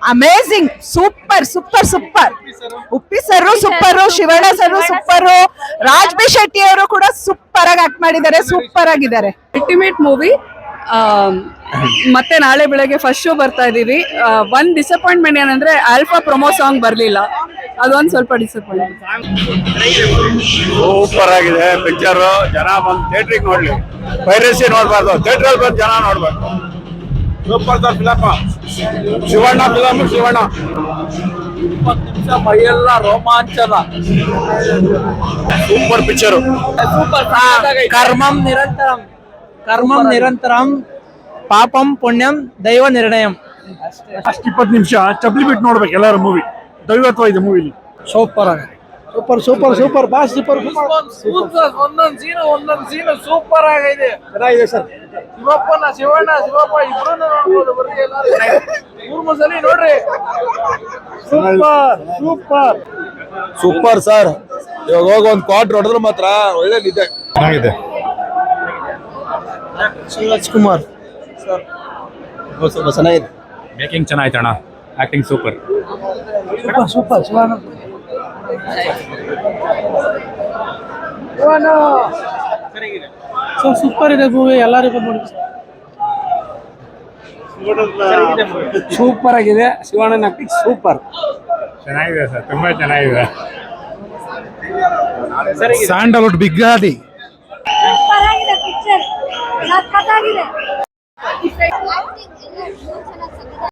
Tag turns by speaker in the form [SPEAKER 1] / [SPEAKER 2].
[SPEAKER 1] Amazing, super super super. Uppi sir super, Shivanna sir super, Raj B Shetty ಅವರು ಕೂಡ super ಆಗಿ act ಮಾಡಿದ್ದಾರೆ, ಸೂಪರ್ ಆಗಿದ್ದಾರೆ.
[SPEAKER 2] Ultimate movie. ಮತ್ತೆ ನಾಳೆ ಬೆಳಗ್ಗೆ ಫಸ್ಟ್ ಶೋ ಬರ್ತಾ ಇದೀವಿ. ಒಂದ್ ಡಿಸಪಾಯಿಂಟ್ಮೆಂಟ್ ಏನಂದ್ರೆ ಆಲ್ಫಾ ಪ್ರೊಮೋ ಸಾಂಗ್ ಬರ್ಲಿಲ್ಲ, ಅದೊಂದ್ ಸ್ವಲ್ಪ ಡಿಸಪಾಯಿಂಟ್.
[SPEAKER 3] ಸೂಪರ್ ಆಗಿದೆ ಪಿಕ್ಚರ್. ಜನ ಬಂದು ಥಿಯೇಟ್ರಿಗೆ ನೋಡ್ಲಿ, ಪೈರಸಿ ನೋಡ್ಬಾರ್ದು, ಥಿಯೇಟ್ರಲ್ಲಿ ಬಂದು ಜನ ನೋಡ್ಬೇಕು. Super sir film, Shivanna film, Shivanna
[SPEAKER 4] 20 ನಿಮಿಷ ಮೈಯೆಲ್ಲ ರೋಮಾಂಚನ.
[SPEAKER 3] Super picture.
[SPEAKER 4] ಕರ್ಮಂ ನಿರಂತರಂ, ಕರ್ಮಂ ನಿರಂತರಂ, ಪಾಪಂ ಪುಣ್ಯಂ ದೈವ ನಿರ್ಣಯಂ.
[SPEAKER 3] ಅಷ್ಟು 20 ನಿಮಿಷ ಚಪ್ಲಿ ಬಿಟ್ಟು ನೋಡ್ಬೇಕು ಎಲ್ಲರೂ. ಮೂವಿ ದೈವತ್ವ ಇದೆ ಮೂವಿಲಿ.
[SPEAKER 4] ಸೂಪರ್ ಆಗಿದೆ, super super super boss, super ಒಂದೊಂದು ಸೀನು ಸೂಪರ್ ಆಗಿದೆ.
[SPEAKER 3] ಚೆನ್ನಾಗಿದೆ ಸರ್.
[SPEAKER 4] ಶಿವಪ್ಪ ಇಬ್ರು ನೋಡ್ಬೋದು, ಬರ್ರಿ ಎಲ್ಲರೂ 3 ಸಲ ನೋಡ್ರಿ.
[SPEAKER 3] Super super super sir. ಇವಾಗ ಹೋಗಿ ಒಂದು ಕ್ವಾರ್ಟರ್ ಹೊಡೆದ್ರೆ ಮಾತ್ರ ಒಳ್ಳೆ ನಿದ್ದೆ. ಚೆನ್ನಾಗಿದೆ.
[SPEAKER 4] ಶಿವರಾಜ್ ಕುಮಾರ್ ಸರ್ ಸ್ವಲ್ಪ ಚೆನ್ನಾಗಿದೆ.
[SPEAKER 5] ಮೇಕಿಂಗ್ ಚೆನ್ನಾಯ್ತು ಅಣ್ಣ, acting super.
[SPEAKER 4] Super Shivanna super ಇದೆ ಮೂವಿ, ಎಲ್ಲರಿಗೂ ನೋಡಿ. ಸೂಪರ್ ಆಗಿದೆ, ಶಿವಣ್ಣನ ಆಕ್ಟಿಂಗ್ ಸೂಪರ್.
[SPEAKER 5] ಚೆನ್ನಾಗಿದೆ ಸರ್, ತುಂಬಾ ಚೆನ್ನಾಗಿದೆ.
[SPEAKER 3] ಸ್ಯಾಂಡಲ್ವುಡ್ ಬಿಗ್ಗಾದಿ.
[SPEAKER 6] ಪರವಾಗಿಲ್ಲ ಪಿಕ್ಚರ್, ಸಖತ್ತಾಗಿದೆ.